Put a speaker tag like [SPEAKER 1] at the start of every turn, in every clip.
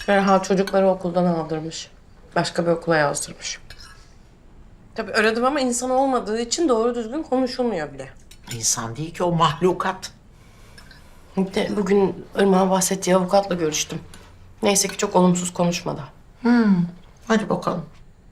[SPEAKER 1] Ferhat çocukları okuldan aldırmış. Başka bir okula yazdırmış. Tabii aradım ama insan olmadığı için doğru düzgün konuşulmuyor bile.
[SPEAKER 2] İnsan değil ki o mahlukat.
[SPEAKER 1] Bir de bugün Irmak'ın bahsettiği avukatla görüştüm. Neyse ki çok olumsuz konuşmadı.
[SPEAKER 2] Hadi bakalım.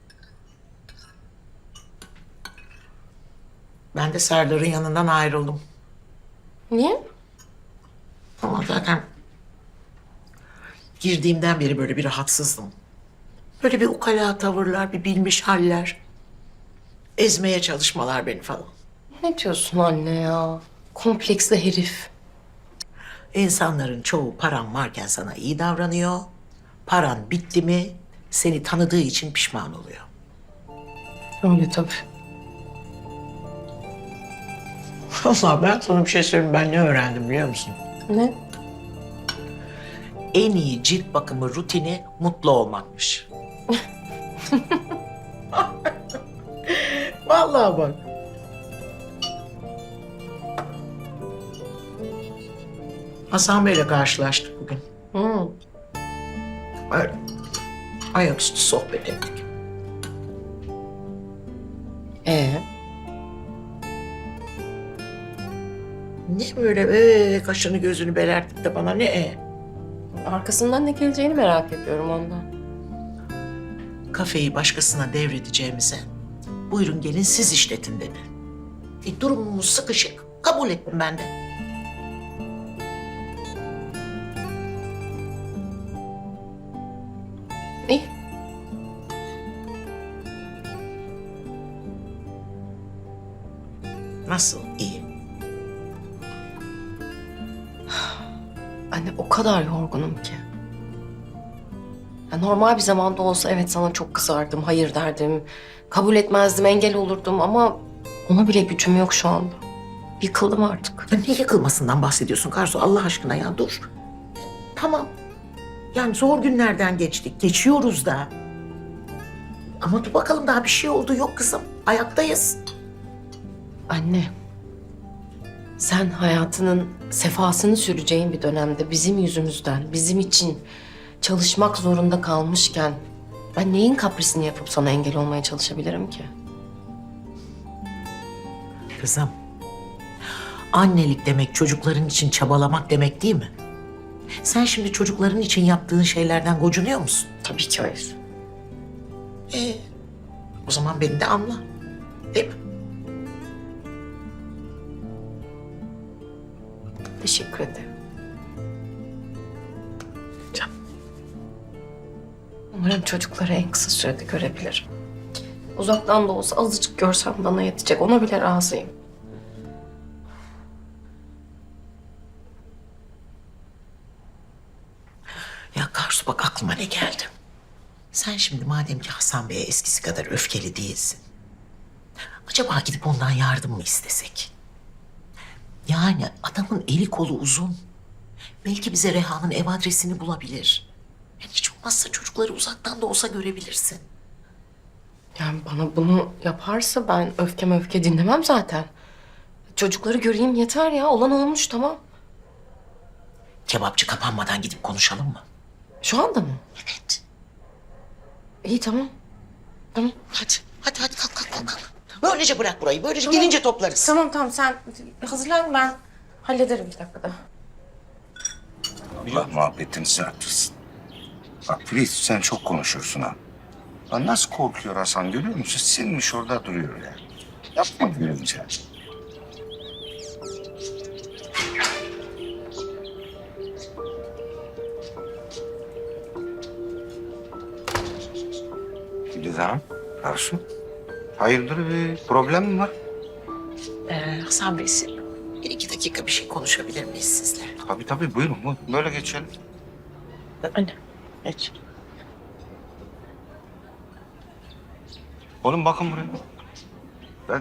[SPEAKER 2] Ben de Serdar'ın yanından ayrıldım.
[SPEAKER 1] Niye?
[SPEAKER 2] Ama zaten girdiğimden beri böyle bir rahatsızdım. Böyle bir ukala tavırlar, bir bilmiş haller. Ezmeye çalışmalar beni falan.
[SPEAKER 1] Ne diyorsun anne ya? Kompleksli herif.
[SPEAKER 2] İnsanların çoğu paran varken sana iyi davranıyor. Paran bitti mi seni tanıdığı için pişman oluyor.
[SPEAKER 1] Öyle tabii.
[SPEAKER 2] Vallahi ben sana bir şey söyleyeyim. Ben ne öğrendim biliyor musun?
[SPEAKER 1] Ne?
[SPEAKER 2] En iyi cilt bakımı rutini mutlu olmakmış. Vallahi bak. Hasan Bey'le karşılaştık bugün.
[SPEAKER 1] Hı.
[SPEAKER 2] Öyle. Ayaküstü sohbet ettik.
[SPEAKER 1] Ee?
[SPEAKER 2] Ne böyle kaşını gözünü belertip de bana ne?
[SPEAKER 1] Arkasından ne geleceğini merak ediyorum ondan.
[SPEAKER 2] Kafeyi başkasına devredeceğimize buyurun gelin siz işletin dedi. Durumumuz sıkışık. Kabul ettim ben de.
[SPEAKER 1] İyi.
[SPEAKER 2] Nasıl iyi?
[SPEAKER 1] Anne o kadar yorgunum ki. Ya normal bir zamanda olsa evet sana çok kızardım, hayır derdim. Kabul etmezdim, engel olurdum ama ona bile gücüm yok şu anda. Yıkıldım artık.
[SPEAKER 2] Ya ne yıkılmasından bahsediyorsun Karsu Allah aşkına ya dur. Tamam. Yani zor günlerden geçtik. Geçiyoruz da. Ama dur bakalım daha bir şey oldu yok kızım. Ayaktayız.
[SPEAKER 1] Anne, sen hayatının sefasını süreceğin bir dönemde bizim yüzümüzden, bizim için çalışmak zorunda kalmışken ben neyin kaprisini yapıp sana engel olmaya çalışabilirim ki?
[SPEAKER 2] Kızım. Annelik demek çocukların için çabalamak demek değil mi? Sen şimdi çocukların için yaptığın şeylerden gocunuyor musun?
[SPEAKER 1] Tabii ki hayır.
[SPEAKER 2] O zaman beni de anla. Değil mi?
[SPEAKER 1] Teşekkür ederim.
[SPEAKER 2] Canım.
[SPEAKER 1] Umarım çocukları en kısa sürede görebilirim. Uzaktan da olsa azıcık görsem bana yetecek. Ona bile razıyım.
[SPEAKER 2] Ya Karsu bak aklıma ne geldi. Sen şimdi madem ki Hasan Bey'e eskisi kadar öfkeli değilsin. Acaba gidip ondan yardım mı istesek? Yani adamın eli kolu uzun. Belki bize Reha'nın ev adresini bulabilir. Yani hiç olmazsa çocukları uzaktan da olsa görebilirsin.
[SPEAKER 1] Yani bana bunu yaparsa ben öfke dinlemem zaten. Çocukları göreyim yeter ya. Olan olmuş tamam.
[SPEAKER 2] Kebapçı kapanmadan gidip konuşalım mı?
[SPEAKER 1] Şu anda mı?
[SPEAKER 2] Evet.
[SPEAKER 1] İyi tamam. Tamam.
[SPEAKER 2] Hadi kalk kalk. Böylece bırak burayı. Böylece gelince toplarız.
[SPEAKER 1] Tamam sen hazırlan ben hallederim bir dakikada.
[SPEAKER 3] Allah muhabbetini sen yaptırsın. Bak Filiz sen çok konuşuyorsun ha. Lan nasıl korkuyor Hasan görüyor musun? Sinmiş orada duruyor ya. Yapma gülünce. Filiz Hanım, Arsu. Hayırdır bir problem mi var?
[SPEAKER 2] Hasan Bey siz bir iki dakika bir şey konuşabilir miyiz sizle?
[SPEAKER 3] Tabii buyurun. Böyle geçelim.
[SPEAKER 2] Anne. Geç.
[SPEAKER 3] Oğlum bakın buraya. Ben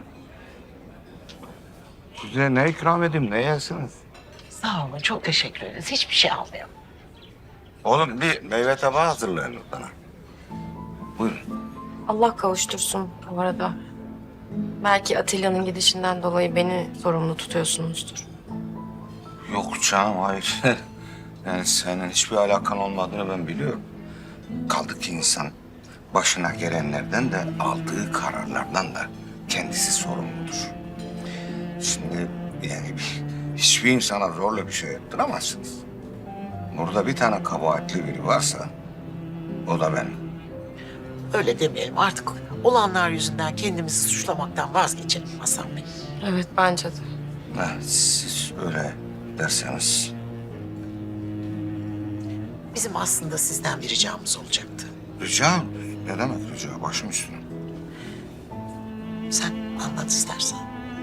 [SPEAKER 3] size ne ikram edeyim, ne yersiniz?
[SPEAKER 2] Sağ olun çok teşekkür ederiz. Hiçbir şey almayalım.
[SPEAKER 3] Oğlum bir meyve tabağı hazırlayın bana. Buyurun.
[SPEAKER 1] Allah kavuştursun bu arada. Belki Atilla'nın gidişinden dolayı beni sorumlu tutuyorsunuzdur.
[SPEAKER 3] Yok canım hayır. Yani senin hiçbir alakan olmadığını ben biliyorum. Kaldı ki insan başına gelenlerden de aldığı kararlardan da kendisi sorumludur. Şimdi yani hiçbir insana zorla bir şey yaptıramazsınız. Burada bir tane kabahatli biri varsa o da benim.
[SPEAKER 2] Öyle demeyelim artık. Olanlar yüzünden kendimizi suçlamaktan vazgeçelim Hasan Bey.
[SPEAKER 1] Evet bence de.
[SPEAKER 3] Siz öyle derseniz.
[SPEAKER 2] Bizim aslında sizden bir ricamız olacaktı.
[SPEAKER 3] Rica? Ne demek rica? Başım üstüne.
[SPEAKER 2] Sen anlat istersen.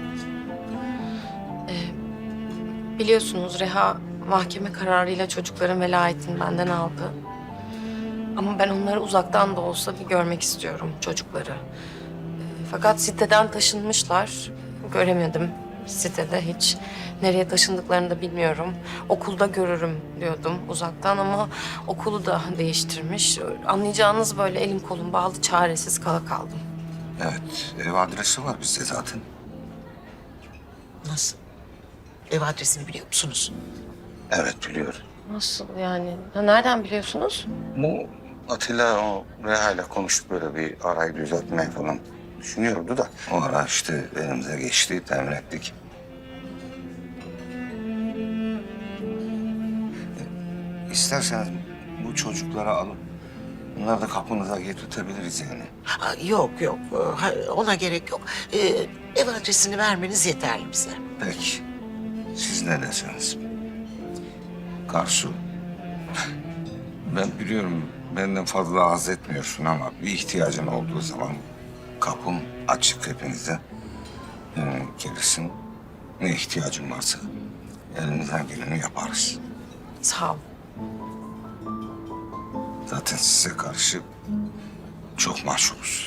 [SPEAKER 1] Biliyorsunuz Reha mahkeme kararıyla çocukların velayetini benden aldı. Ama ben onları uzaktan da olsa bir görmek istiyorum çocukları. Fakat siteden taşınmışlar. Göremedim sitede hiç. Nereye taşındıklarını da bilmiyorum. Okulda görürüm diyordum uzaktan ama okulu da değiştirmiş. Anlayacağınız böyle elim kolum bağlı çaresiz kala kaldım.
[SPEAKER 3] Evet, ev adresi var bizde zaten.
[SPEAKER 2] Nasıl? Ev adresini biliyor musunuz?
[SPEAKER 3] Evet, biliyorum.
[SPEAKER 1] Nasıl yani? Ha, nereden biliyorsunuz?
[SPEAKER 3] Bu Atilla o Reha ile konuşup böyle bir arayı düzeltmeyi falan düşünüyordu da. O ara işte elimize geçti, temin ettik. İsterseniz bu çocukları alıp bunları da kapınıza getirtebiliriz yani.
[SPEAKER 2] Ha, yok. Ona gerek yok. Ev adresini vermeniz yeterli bize.
[SPEAKER 3] Peki, siz ne derseniz. Karsu, ben biliyorum benden fazla haz etmiyorsun ama bir ihtiyacın olduğu zaman kapım açık hepinize. Gelirsin, ne ihtiyacın varsa elimizden geleni yaparız.
[SPEAKER 1] Sağ ol.
[SPEAKER 3] Zaten size karşı çok mahcubuz.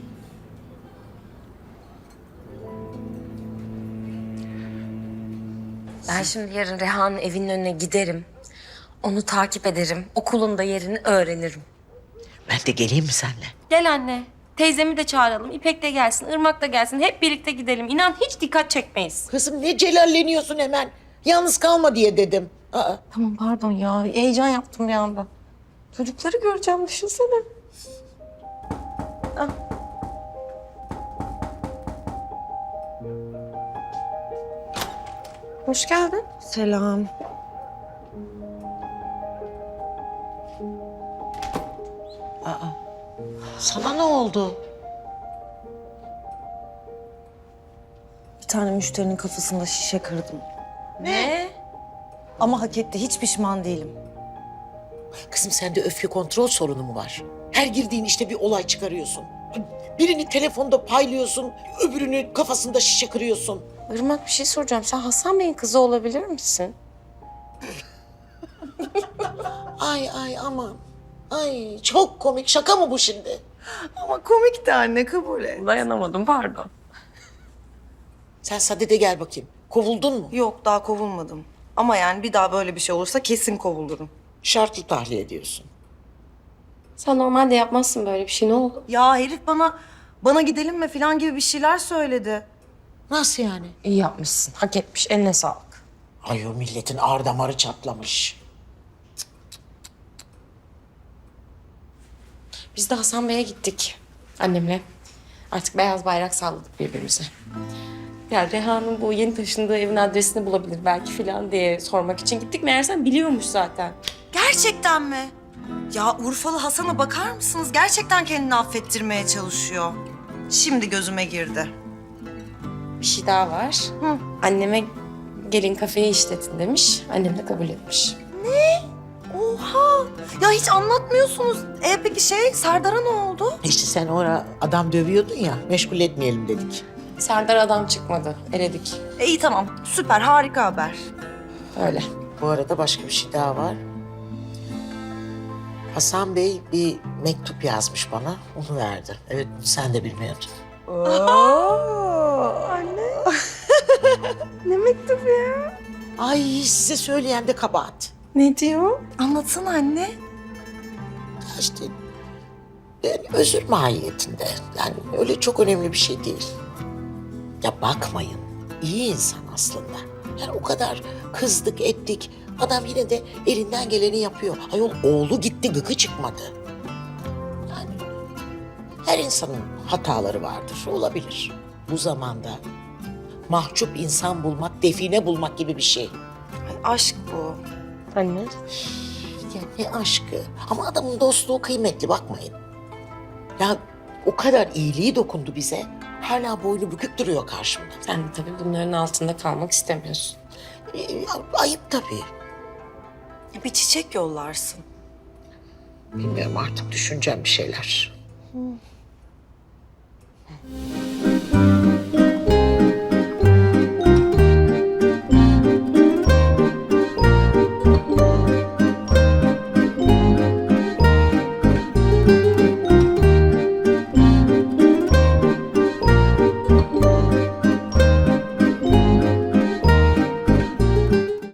[SPEAKER 1] Ben şimdi yarın Reha'nın evinin önüne giderim. Onu takip ederim. Okulun da yerini öğrenirim.
[SPEAKER 2] Ben de geleyim mi seninle?
[SPEAKER 4] Gel anne. Teyzemi de çağıralım. İpek de gelsin, Irmak da gelsin. Hep birlikte gidelim. İnan hiç dikkat çekmeyiz.
[SPEAKER 2] Kızım ne celalleniyorsun hemen? Yalnız kalma diye dedim. Aa,
[SPEAKER 4] Tamam pardon ya. Heyecan yaptım bir anda. Çocukları göreceğim düşünsene. Ah. Hoş geldin.
[SPEAKER 1] Selam.
[SPEAKER 2] sana ne oldu?
[SPEAKER 5] Bir tane müşterinin kafasında şişe kırdım.
[SPEAKER 4] Ne?
[SPEAKER 5] Ama hak etti. Hiç pişman değilim.
[SPEAKER 2] Kızım sende öfke kontrol sorunu mu var? Her girdiğin işte bir olay çıkarıyorsun. Birini telefonda paylıyorsun, öbürünü kafasında şişe kırıyorsun.
[SPEAKER 4] Irmak bir şey soracağım. Sen Hasan Bey'in kızı olabilir misin?
[SPEAKER 2] Ay aman. Ay çok komik. Şaka mı bu şimdi?
[SPEAKER 5] Ama komik de anne, kabul et.
[SPEAKER 4] Dayanamadım pardon.
[SPEAKER 2] Sen Saadet'e gel bakayım. Kovuldun mu?
[SPEAKER 5] Yok, daha kovulmadım. Ama yani bir daha böyle bir şey olursa kesin kovulurum.
[SPEAKER 2] Şartlı tahliye ediyorsun.
[SPEAKER 4] Sen normalde yapmazsın böyle bir şey. Ne oldu?
[SPEAKER 5] Ya herif bana gidelim mi falan gibi bir şeyler söyledi.
[SPEAKER 2] Nasıl yani?
[SPEAKER 4] İyi yapmışsın. Hak etmiş. Eline sağlık.
[SPEAKER 2] Ay o milletin ar damarı çatlamış.
[SPEAKER 4] Biz de Hasan Bey'e gittik annemle. Artık beyaz bayrak salladık birbirimize. Ya Reha'nın bu yeni taşındığı evin adresini bulabilir belki falan diye sormak için gittik. Meğersem biliyormuş zaten.
[SPEAKER 5] Gerçekten mi? Ya Urfalı Hasan'a bakar mısınız? Gerçekten kendini affettirmeye çalışıyor. Şimdi gözüme girdi.
[SPEAKER 4] Bir şey daha var. Anneme gelin kafeyi işletin demiş. Annem de kabul etmiş.
[SPEAKER 5] Oha! Ya hiç anlatmıyorsunuz. Peki Serdar'a ne oldu?
[SPEAKER 2] İşte sen orada adam dövüyordun ya, meşgul etmeyelim dedik.
[SPEAKER 4] Serdar adam çıkmadı. Eledik.
[SPEAKER 5] İyi tamam. Süper, harika haber.
[SPEAKER 4] Öyle.
[SPEAKER 2] Bu arada başka bir şey daha var. Hasan Bey bir mektup yazmış bana, onu verdi. Evet, sen de bilmiyordun.
[SPEAKER 5] Ne mektubu ya?
[SPEAKER 2] Ay size söyleyen de kabahat.
[SPEAKER 5] Ne diyor? Anlatsana anne.
[SPEAKER 2] İşte ben özür mahiyetinde. Yani öyle çok önemli bir şey değil. Ya bakmayın, iyi insan aslında. Yani o kadar kızdık ettik. Adam yine de elinden geleni yapıyor. Ayol oğlu gitti, gıkı çıkmadı. Her insanın hataları vardır, olabilir. Bu zamanda mahcup insan bulmak, define bulmak gibi bir şey.
[SPEAKER 5] Ay, aşk bu.
[SPEAKER 4] Anne.
[SPEAKER 2] Ya ne aşkı. Ama adamın dostluğu kıymetli, bakmayın. Ya o kadar iyiliği dokundu bize. Hala boynu bükük duruyor karşımda.
[SPEAKER 4] Sen de tabii bunların altında kalmak istemiyorsun.
[SPEAKER 2] Ayıp tabii.
[SPEAKER 5] Bir çiçek yollarsın.
[SPEAKER 2] Bilmiyorum, artık düşüneceğim bir şeyler.